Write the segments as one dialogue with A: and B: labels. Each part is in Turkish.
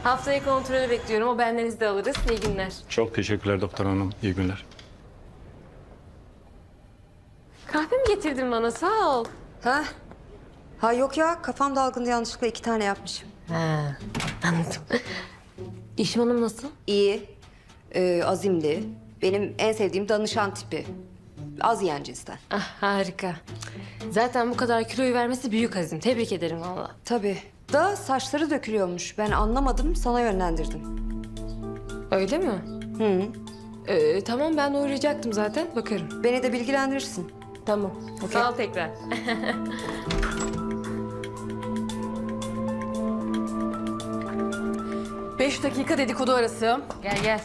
A: Haftaya kontrolü bekliyorum. O benden izin de alırız. İyi günler.
B: Çok teşekkürler doktor hanım. İyi günler.
A: Kahve mi getirdin bana? Sağ ol.
C: Ha yok ya, kafam dalgındı, yanlışlıkla 2 tane yapmışım.
A: Ha, anladım. İşim Hanım nasıl?
C: İyi, azimli. Benim en sevdiğim danışan tipi. Az yiyen cinsten.
A: Ah, harika. Zaten bu kadar kiloyu vermesi büyük azim. Tebrik ederim valla.
C: Tabii. Da saçları dökülüyormuş. Ben anlamadım, sana yönlendirdim.
A: Öyle mi? Tamam, ben uğrayacaktım zaten. Bakarım.
C: Beni de bilgilendirirsin.
A: Tamam. Sağ ol tekrar.
D: 5 dakika dedikodu arası.
A: Gel gel.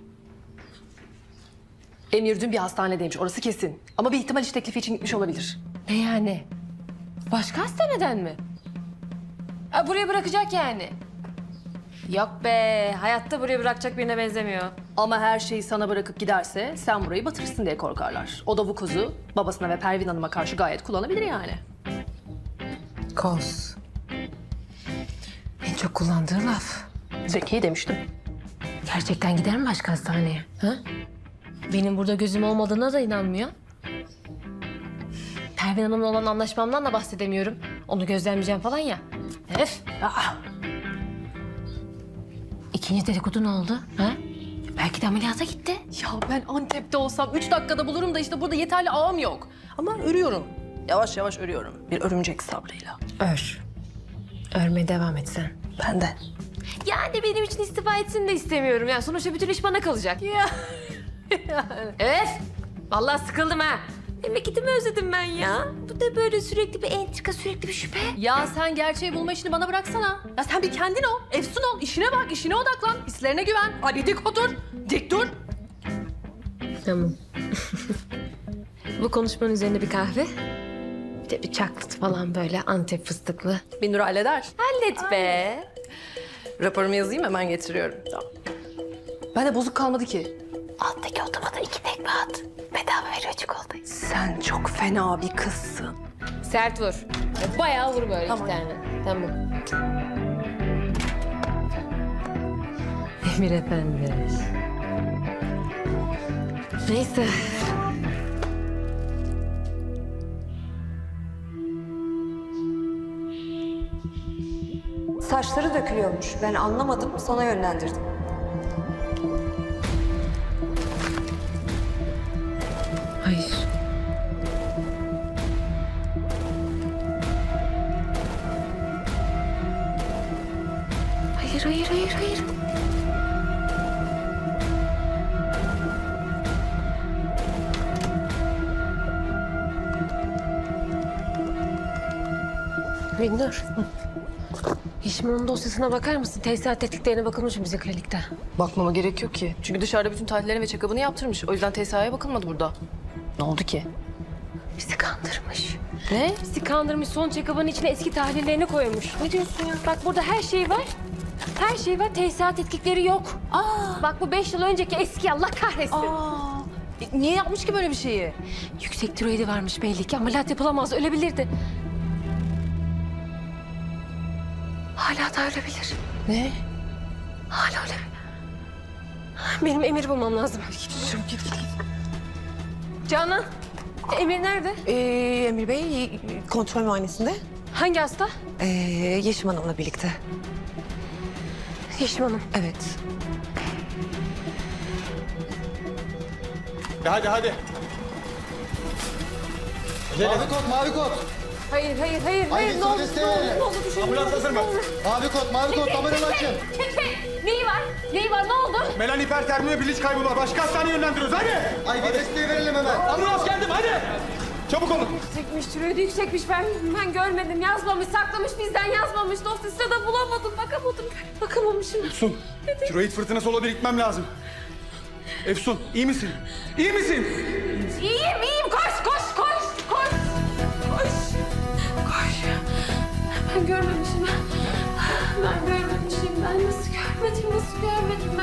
D: Emir dün bir hastanedeymiş, orası kesin. Ama bir ihtimal iş teklifi için gitmiş olabilir.
A: Ne yani? Başka hastaneden mi? Ha, buraya bırakacak yani. Yok be, hayatta buraya bırakacak birine benzemiyor.
D: Ama her şeyi sana bırakıp giderse sen burayı batırırsın diye korkarlar. O da bu kozu babasına ve Pervin Hanım'a karşı gayet kullanabilir yani.
A: Koz. En çok kullandığı laf.
D: Zeki demiştim.
A: Gerçekten gider mi başka hastaneye? Ha? Benim burada gözüm olmadığına da inanmıyor. Pervin Hanım'la olan anlaşmamdan da bahsedemiyorum. Onu gözlemleyeceğim falan ya. Öf. Aa. İkinci dedikodu ne oldu? Ha? Belki de ameliyata gitti.
D: Ya ben Antep'te olsam 3 dakikada bulurum da işte burada yeterli ağım yok. Ama örüyorum. Yavaş yavaş örüyorum. Bir örümcek sabrıyla.
A: Ör. Örmeye devam et sen.
D: Ben de.
A: Yani benim için istifa etsin de istemiyorum. Ya sonuçta bütün iş bana kalacak.
D: Ya.
A: Evet. Vallahi sıkıldım ha. Memleketimi özledim ben ya. Bu da böyle sürekli bir entrika, sürekli bir şüphe.
D: Ya sen gerçeği bulma işini bana bıraksana. Ya sen bir kendin ol, efsun ol, işine bak, işine odaklan, hislerine güven. Hadi dik otur, dik dur.
A: Tamam. Bu konuşmanın üzerine bir kahve. Bir de bir çaklıt falan böyle Antep fıstıklı.
D: Binur halleder.
A: Hallet be.
D: Raporumu yazayım hemen getiriyorum. Tamam. Ben de bozuk kalmadı ki.
A: Alttaki otomata 2 tekme at. Bedava veriyor çikolatayı.
D: Sen çok fena bir kızsın.
A: Sert vur. Bayağı vur böyle
D: Tamam.
A: 2 tane. Tamam. Emir Efendi. Neyse.
C: Saçları dökülüyormuş. Ben anlamadım, sana yönlendirdim.
A: Hayır. Hayır. Binnur. Hişman'ın dosyasına bakar mısın? Tesisat tetkiklerine bakılmış mı bizim klinikte?
D: Bakmama gerek yok ki. Çünkü dışarıda bütün tahlillerini ve check-up'ını yaptırmış. O yüzden TSA'ya bakılmadı burada. Ne oldu ki?
A: Bizi kandırmış.
D: Ne?
A: Bizi kandırmış, son check-up'ın içine eski tahlillerini koymuş. Ne diyorsun ya? Bak burada her şey var. Her şey var, tesisat tetkikleri yok. Bak bu 5 yıl önceki eski, Allah kahretsin.
D: Niye yapmış ki böyle bir şeyi?
A: Yüksek tiroidi varmış belli ki. Ameliyat yapılamaz, ölebilirdi. Hala da ölebilir.
D: Ne?
A: Hala ölebilir. Benim Emir bulmam lazım. Git. Canan, Emir nerede?
E: Emir Bey kontrol muayenesinde.
A: Hangi hasta?
E: Yeşim Hanım'la birlikte.
A: Yeşim Hanım.
E: Evet.
B: Hadi.
F: Mavi kod.
A: Hayır.
F: Haydi,
A: Ne oldu?
F: soliste.
A: Ne oldu? Düşünün.
B: Ambulans hazır mı?
F: Mavi kod, kameranı açın.
A: Neyi var? Ne oldu?
B: Melan hipertermi ve bilinç kaybı var. Başka hastaneye yönlendiriyoruz. Hadi.
F: Haydi desteği verelim hemen.
B: Ambulans geldim hadi. Çabuk olun.
A: Yüksekmiş, tiroidi yüksekmiş. Ben görmedim. Yazmamış, saklamış, bizden yazmamış. Dosyasında da bulamadım. Bakamamışım.
B: Efsun, tiroid fırtınası olabilir. Gitmem lazım. Efsun, iyi misin? İyi misin?
A: İyiyim. Koş. Ben görmemişim. Ben nasıl görmedim?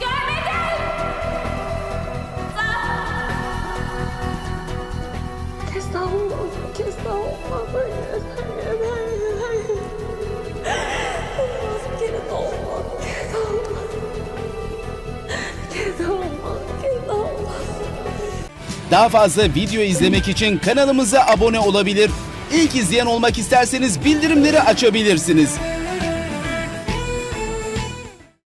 A: Kes daha olmaz. Hayır. Olmaz, bir kere de olmaz.
G: Daha fazla video izlemek için kanalımıza abone olabilir. İlk izleyen olmak isterseniz bildirimleri açabilirsiniz.